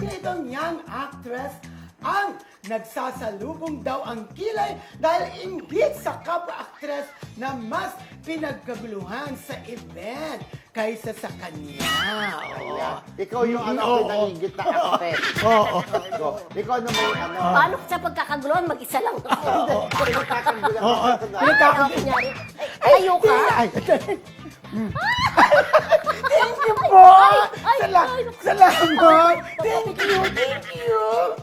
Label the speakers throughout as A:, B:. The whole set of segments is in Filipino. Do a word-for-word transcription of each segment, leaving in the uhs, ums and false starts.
A: na itong young actress ang nagsasalubong daw ang kilay dahil inggit sa kapwa-actress na mas pinagkaguluhan sa event kaysa sa kanya. Oo.
B: Yeah. Ikaw yung ano,
A: Oo.
B: pinangigit na actress.
A: Oo.
B: Go. Ikaw na may ano.
C: Paano sa pagkakaguluhan, mag-isa lang ako.
B: Pinagkakagulan
A: Oo.
B: ka na.
C: Ay,
A: Pinagkakag-
C: kunyari, ay, ayaw ka.
A: Ay, thank you po!
C: Ay, ay,
A: Sala-
C: ay.
A: Salamat! Thank you! Thank you!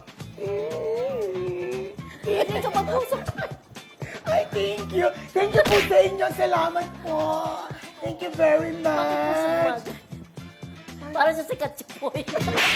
C: Hindi ka mag-usap.
A: Ay, thank you! Thank you po sa inyo! Salamat po! Thank you very much!
C: Para sa sikat si Poy.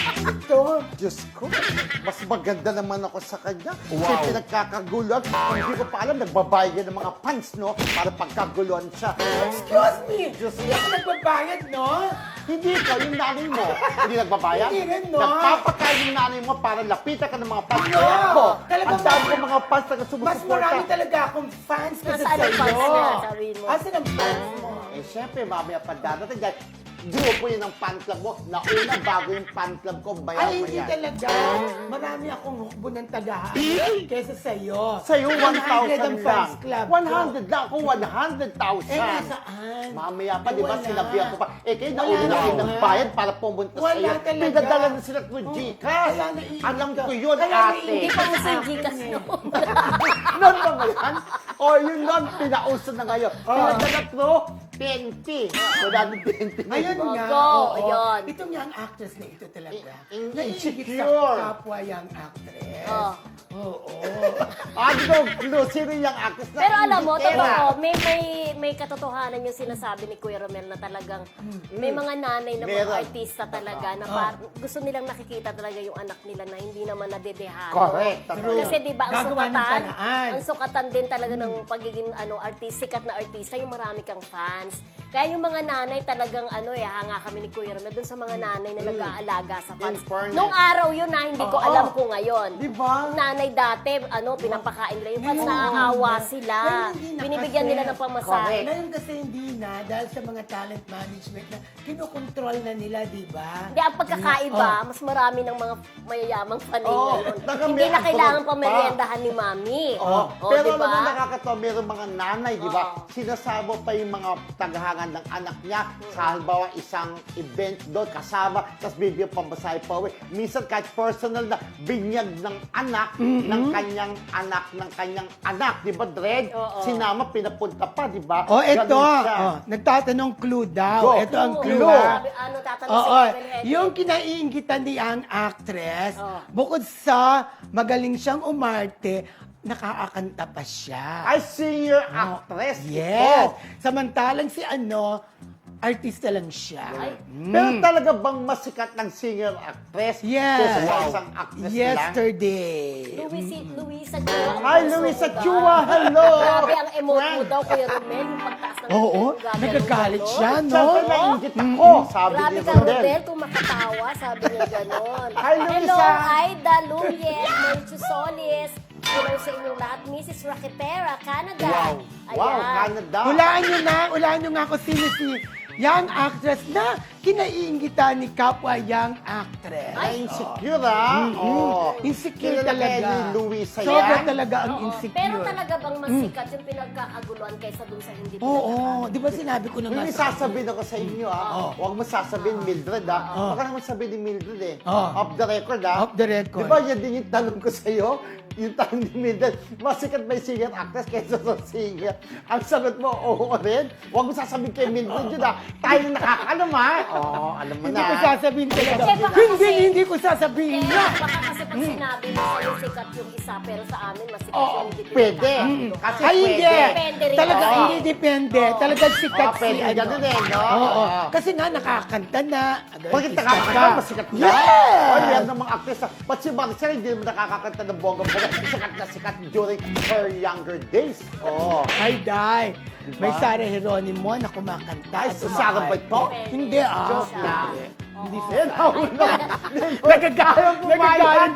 A: Ito!
B: Diyos ko, mas maganda naman ako sa kanya.
A: Wow.
B: Kasi pinagkakaguluhan. Hindi ko pa alam, nagbabayad yan ng mga fans, no? Para pagkaguluhan siya.
A: Excuse me!
B: Diyos
A: Hindi ako nagbabayad, no?
B: Hindi ka, yung nanay mo. Hindi nagbabayad?
A: Hindi rin, no?
B: Nagpapakain yung nanay mo para lapitan ka ng mga fans.
A: No!
B: Ako,
A: Talagang
B: ang dami
A: mas-
B: ko mga fans na
A: Mas
B: sumusuporta.
A: marami talaga akong fans kasi
C: Nasaan ang
A: sa'yo.
C: fans niya? Sabihin mo.
A: Asan ang fans mo?
B: Eh, syempre, mamaya pa dadating dahil grupo yun ang fan club mo. Nauna bago yung fan club ko, bayan
A: Ay,
B: mo
A: hindi
B: yan.
A: talaga. Marami akong hukbo ng tagahan kesa sa'yo.
B: Sa'yo, one
A: one hundred
B: thousand
A: ang
B: lang.
A: fans club ko.
B: one hundred lang. Ako, one hundred thousand.
A: Eh, nasaan?
B: Mamaya pa,
A: Eh,
B: di ba,
A: wala.
B: sinabihan ko pa. Eh, kayo
A: Wala
B: nauna na kayo
A: nga.
B: ng bayad para pumunta
A: Wala
B: sa'yo.
A: talaga.
B: Pinadala na sila through
A: Oh,
B: Gcash.
A: kaya naiingit
B: Alam
A: ka.
B: ko yun,
A: Kaya
B: ate.
A: naiingit
C: Hindi pa mo si
A: Akin
C: Gcash
A: eh.
C: noon.
B: Noon ba ba yan? O yun noon, pinauso na ngayon.
A: Oh.
B: Pinadala through twenty. Wala ng twenty.
A: Ayun
C: Oh,
A: nga.
C: go,
A: oo.
C: ayun.
A: Itong young actress na ito talaga.
B: In- in-
A: Naiingit
B: insecure.
A: sa kapwa young actress.
C: Oh.
A: Oo.
B: Ah, no, no, sino yung actress na
C: Pero alam mo,
B: inditera?
C: totoo, may, may, may katotohanan yung sinasabi ni Kuya Romel na talagang may mga nanay na mga
B: Meron.
C: artista talaga na par- gusto nilang nakikita talaga yung anak nila na hindi naman nadedehado.
B: Correct.
A: True.
C: Kasi di ba ang
A: Gagawa ng
C: sukatan,
A: paraan.
C: ang sukatan din talaga ng pagiging ano artist, sikat na artista, yung marami kang fans. Kaya yung mga nanay talagang ano eh, hanga kami ni Kuya Romel dun sa mga nanay na nag-aalaga sa fans.
B: In fairness.
C: Nung araw yun na hindi ko
A: Oo.
C: alam ko ngayon.
B: Di ba?
C: Yung nanay dati, ano, pinapakain nila yung fans,
A: Ngayon,
C: naaawa
A: ngayon,
C: sila.
A: ngayon hindi na
C: Binibigyan
A: kasi.
C: nila ng pamasahe.
A: Ngayon kasi hindi na dahil sa mga talent management na kinokontrol na nila, di ba?
C: Hindi, ang pagkakaiba,
A: Oh.
C: mas marami ng mga mayayamang fanay
B: Oo,
C: ngayon.
B: taga
C: Hindi
B: may
C: na kailangan
B: abroad
C: pa
B: pa.
C: meriendahan ni Mami.
B: Oh,
C: Oh,
B: pero
C: di
B: alam mo,
C: ba?
B: nakakatawa, meron mga nanay, di ba?
C: Oo.
B: Sinasama pa yung mga tagahangan ng anak niya sa halimbawa isang event doon, kasama, tapos bibigyan pambasahe pa uwi. Minsan kahit personal na binyag ng anak, ng kanyang anak, ng kanyang anak, di ba, Dred?
C: Oo.
B: Sinama, pinapunta pa, di ba?
A: Oh, ito.
B: Ganun siya.
A: Oh, nagtatanong clue daw.
B: Go.
A: Ito ang
C: Oo,
A: clue.
B: Clue.
A: ah.
C: Sabi, ano, tatanong
A: Oo,
C: si Kevin Hedges.
A: yung kinaiingitan ni ang actress,
C: Oh.
A: bukod sa magaling siyang umarte, nakakakanta pa siya.
B: Ay, senior
A: Oh,
B: actress.
A: Yes.
B: ito.
A: Samantalang si ano, artista lang siya.
C: Ay.
B: Pero talaga bang masikat ng singer actress?
A: Yes.
B: Kesa sa isang actress lang?
A: Yesterday.
C: Luisa, Luisa Chua.
B: Hi, Luisa Chua! Hello!
C: Grabe ang emote mo
B: Friend.
C: daw, Kuya Romel. Yung pagtaas ng
A: Oo,
C: emote, gaganon,
A: nagagalit
C: ganon.
A: siya, no?
B: Siyempre, nainggit ako, sabi
C: Grabe
B: ni
C: ka,
B: Rodel.
C: Rodel, kung makatawa, sabi niya gano'n.
B: Hi, Luisa.
C: Hello, Aida Luliet, Merchu Solis. Hello sa inyong lahat, Missus Raquetera, Canada.
B: Wow! Wow,
C: Ayan.
B: Canada!
A: Hulaan nyo na, hulaan nyo nga kung sino si young actress na kinaiingitan ni kapwa young actress.
B: Ay, insecure ah! Oh.
A: Insecure
B: Kilala kaya
A: talaga.
B: ni Luisa
A: Sobra
B: yan?
A: talaga ang
C: Oo,
A: insecure.
C: Pero talaga bang masikat yung pinagkakaguluhan kaysa dun sa hindi
A: Oo,
C: pinagkakaguluhan?
A: di ba sinabi ko na nga
B: Hindi
A: sa-
B: sasabihin ako sa inyo ah.
A: Oo.
B: Huwag mo sasabihin Mildred ah.
A: Oo.
B: Baka naman sabihin ni Mildred eh.
A: Oo.
B: Off the record ah.
A: Off the record.
B: Di ba yan din yung tanong ko sa'yo? Yung tanong ni Mildred, masikat ba yung singer actress kaysa sa singer? Ang sagot mo, oo rin. Huwag mo sasabihin kay Mildred yun ah. Tayo nakakalam ah. Oo, alam mo
A: Hindi
B: na.
A: ko sasabihin talaga.
C: Kasi baka
A: Hindi,
C: kasi-
A: hindi ko sasabihin
C: Eh,
A: na.
C: baka kasi pag sinabi mo sa'yo sikat yung isa, pero sa amin masikat
B: Oo,
C: yung hindi
B: pwede.
C: pinagkakaguluhan.
B: Kasi
A: Ay, hindi.
C: Depende rin
A: Talaga,
C: kasi.
A: hindi depende. Talaga sikat
B: Oo,
A: si
B: pwede
A: ano.
B: ganun eh, no?
A: Oo.
B: Oo.
A: Kasi nga, nakakanta na.
B: Bakit
A: Artista
B: nakakanta
A: ka.
B: masikat na?
A: Yes!
B: Oy, meron namang actress. ah. Ba't si Maricel hindi naman nakakakanta ng bongga-bongga? Sikat na sikat during her younger days. Oo.
A: Ay, Day.
B: Diba?
A: May Sarah Geronimo na kumakanta.
B: Ay,
A: at
B: si Sarah ba ito?
A: kumakanta. Hindi, ah.
B: Joke lang.
A: Hindi. Hindi
C: Oo.
A: siya.
B: Eh, nahula.
A: Nagagalit. Nagagalit.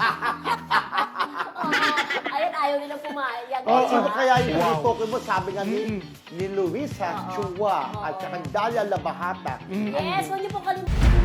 C: Oo, ayun, ayaw nilang pumayag.
B: Oh,
C: Diba?
B: sino kaya yung wow. mo? Sabi nga ni, ni Luisa Chua at saka Dalia Labahata.
C: Yes, huwag niyo po kalimutan.